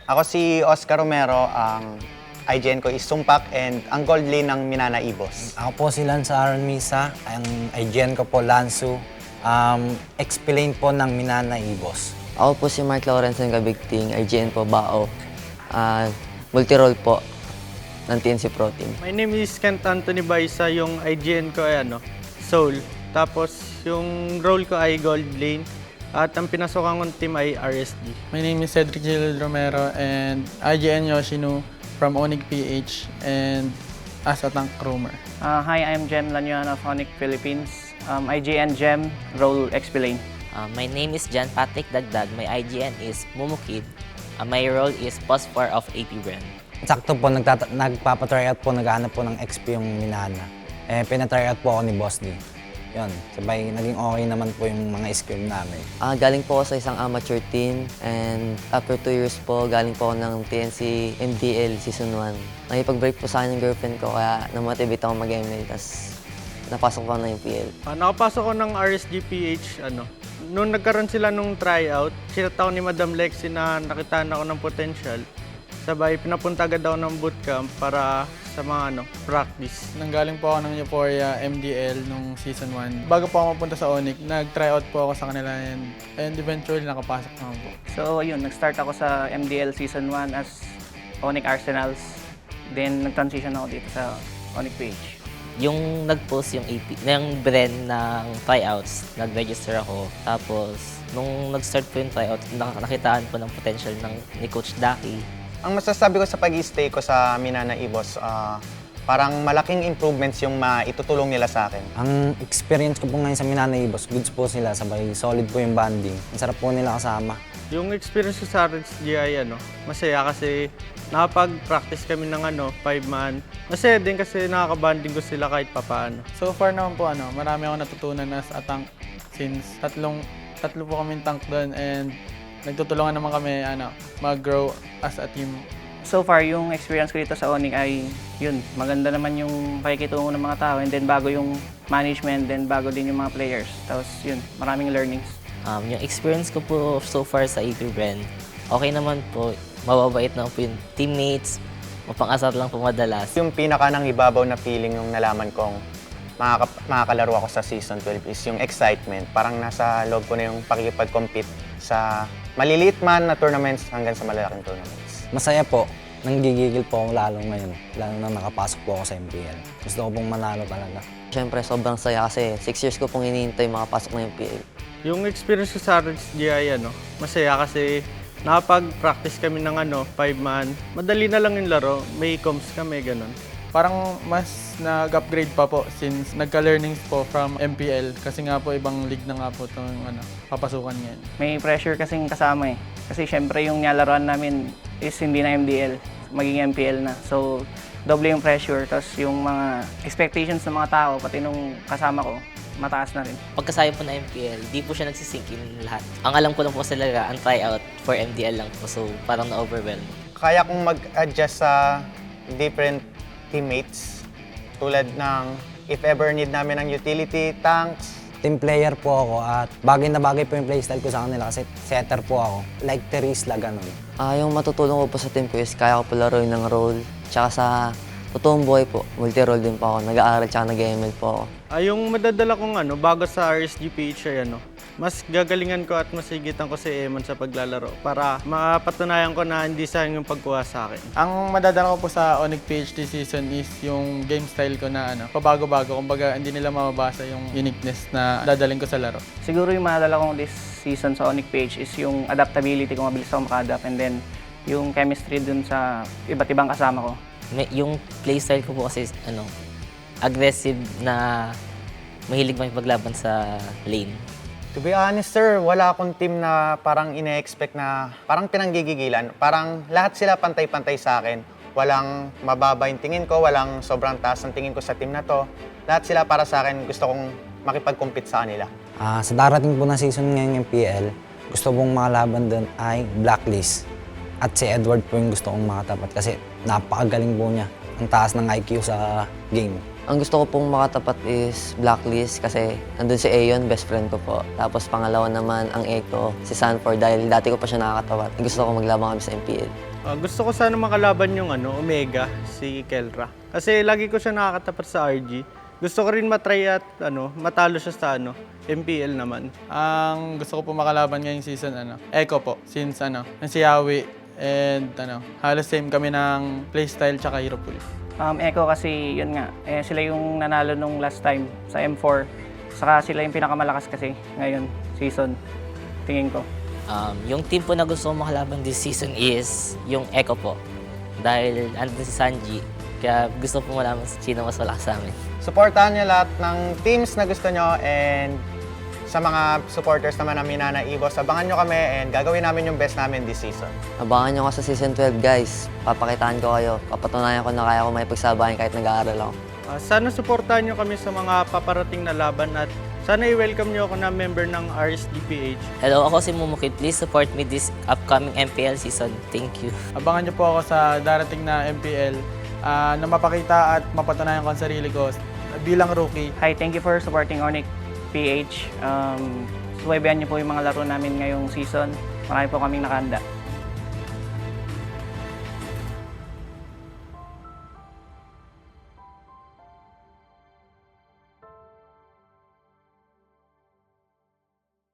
Ako si Oscar Romero, ang IGN ko is Sumpak and ang gold lane ng Minana Ibos. Ako po si Lance Aaron Misa, ang IGN ko po Lansu, explain po ng Minana Ibos. Ako po si Mark Lawrence ng Kabigting, IGN po Bao. Multi-role po ng TNC Pro Team. My name is Kent Anthony Baisa, yung IGN ko ay Soul. Tapos yung role ko ay Gold Lane. At ang pinasokan kong team ay RSD. My name is Cedric Gil Romero and IGN Yoshino from Onyx PH and as a tank roamer. Hi, I'm Jem Lanyuan of Onyx Philippines. IGN Jem, role Explain. My name is John Patrick Dagdag. My IGN is Mumukid. My role is Post 4 of AP Brand. Sakto po, nagpapatryout po, naghahanap po ng XP yung Minana. Pinatryout po ako ni Boss D. Yun, sabay naging okay naman po yung mga skill namin. Galing po ako sa isang amateur team and after 2 years po, galing po ako ng TNC MDL Season 1. Nakipag-break po sa akin ng girlfriend ko kaya namotivate ako mag-ML, tapos napasok ko na yung PL. Nakapasok ko ng RSDPH, Noong nagkaroon sila nung tryout, sinataw ni Madam Lexi na nakitaan ako ng potential. Sabay, pinapunta agad ako ng bootcamp para sa mga practice. Nanggaling po ako ng Euphoria MDL nung Season 1. Bago po ako mapunta sa Onyx, nag-tryout po ako sa kanila and eventually nakapasok naman po. So, ayun, nag-start ako sa MDL Season 1 as Onyx Arsenals. Then, nag-transition ako dito sa Onyx PH. Yung nag-post yung AP, yung brand ng tryouts, nag-register ako. Tapos, nung nag-start po yung tryout, nakitaan po ng potential ni Coach Daki. Ang masasabi ko sa pag-stay ko sa Minana Ibos, parang malaking improvements yung maitutulong nila sa akin. Ang experience ko po ngayon sa Minana Ibos, goods po sila, sabay solid po yung banding. Ang sarap po nila kasama. Yung experience ko sa RSD ay masaya kasi nakapag-practice kami ng 5-man. Masaya din kasi nakakabanding ko sila kahit papaano. So far naman po, marami akong natutunan as a tank since tatlo po kaming tank doon and nagtutulungan naman kami mag-grow as a team. So far, yung experience ko dito sa Onyx ay, yun, maganda naman yung pakikitungo ng mga tao and then bago yung management, then bago din yung mga players. Tapos yun, maraming learnings. Yung experience ko po so far sa AP Brand, okay naman po. Mababait naman po yung teammates, mapang-asar lang po madalas. Yung pinaka nang ibabaw na feeling yung nalaman kong makakalaro ako sa Season 12 is yung excitement. Parang nasa loob ko na yung pakikipag-compete sa maliliit man na tournaments hanggang sa malalaking tournaments. Masaya po, nanggigigil po ako lalo ngayon, lalo na nakapasok po ako sa MPL. Gusto ko pong manalo talaga. Siyempre, sobrang saya kasi 6 years ko pong hinihintay makapasok na yung PL. Yung experience ko sa RSD ay masaya kasi nakapag-practice kami ng 5-man. Madali na lang yung laro, may comms kami, ganun. Parang mas nag-upgrade pa po since nagka-learnings po from MPL kasi nga po ibang league na nga po itong papasukan ngayon. May pressure kasing kasama eh. Kasi syempre yung nilalaroan namin is hindi na MDL, maging MPL na. So, doble yung pressure, tapos yung mga expectations ng mga tao, pati nung kasama ko, mataas na rin. Pagkasaya po na MPL, di po siya nagsisink in lahat. Ang alam ko lang po talaga, ang tryout for MDL lang po. So, parang na-overwhelm. Kaya kong mag-adjust sa different teammates tulad ng if ever need namin ng utility, tanks. Team player po ako at bagay na bagay po yung playstyle ko sa kanila kasi setter po ako. Like Terisla, ganun. Yung matutulong ko po sa team ko is kaya ko po laruin ng role. Tsaka sa totoong buhay po, multi-role din po ako. Nag-aaral tsaka nag-ML po ako. Yung madadala kong bago sa RSDPH ay mas gagalingan ko at masigitan ko si Eman sa paglalaro para mapatunayan ko na hindi sayang yung pagkuha sa akin. Ang madadala ko po sa Onyx PH this season is yung game style ko na pabago-bago. Kumbaga hindi nila mababasa yung uniqueness na dadaling ko sa laro. Siguro yung madala kong this season sa Onyx PH is yung adaptability, kung mabilis ako maka-adapt, and then yung chemistry dun sa iba't ibang kasama ko. Yung playstyle ko po kasi aggressive na mahilig makipaglaban sa lane. To be honest, sir, wala akong team na parang ine-expect na parang pinanggigigilan. Parang lahat sila pantay-pantay sa akin. Walang mababa yung tingin ko, walang sobrang taas ang tingin ko sa team na to. Lahat sila para sa akin, gusto kong makipag-compete sa kanila. Sa darating po na season ngayon ng PL, gusto kong makalaban doon ay Blacklist. At si Edward po yung gusto kong makatapat kasi napakagaling po niya. Ang taas ng IQ sa game. Ang gusto ko pong makatapat is Blacklist kasi nandun si Aeon, best friend ko po. Tapos pangalawa naman ang Echo, si Sanford dahil dati ko pa siya nakakatapat. Gusto ko maglabang kami sa MPL. Gusto ko sana makalaban yung Omega, si Kelra. Kasi lagi ko siya nakakatapat sa RG. Gusto ko rin matry at matalo siya sa MPL naman. Ang gusto ko po makalaban ngayong season, Echo po. Since, si Yawi and, halos same kami ng playstyle tsaka hero pool. Echo kasi yun nga, sila yung nanalo nung last time sa M4. Saka sila yung pinakamalakas kasi ngayon, season, tingin ko. Yung team po na gusto kong makalaban this season is yung Echo po. Dahil andun si Sanji, kaya gusto po malaman sino mas malakas sa amin. Supportahan niyo lahat ng teams na gusto nyo and sa mga supporters naman ng Minana Evos, abangan nyo kami and gagawin namin yung best namin this season. Abangan nyo ako sa season 12 guys. Papakitaan ko kayo. Papatunayan ko na kaya ko may pagsabayan kahit nag-aaral ako. Sana supportahan nyo kami sa mga paparating na laban at sana i-welcome nyo ako na member ng RSGPH. Hello, ako si Mumukit. Please support me this upcoming MPL season. Thank you. Abangan niyo po ako sa darating na MPL na mapakita at mapatunayan ko ang sarili ko bilang rookie. Hi, thank you for supporting Onyx PH. Subaybayan niyo po yung mga laro namin ngayong season. Marami po kaming nakahanda.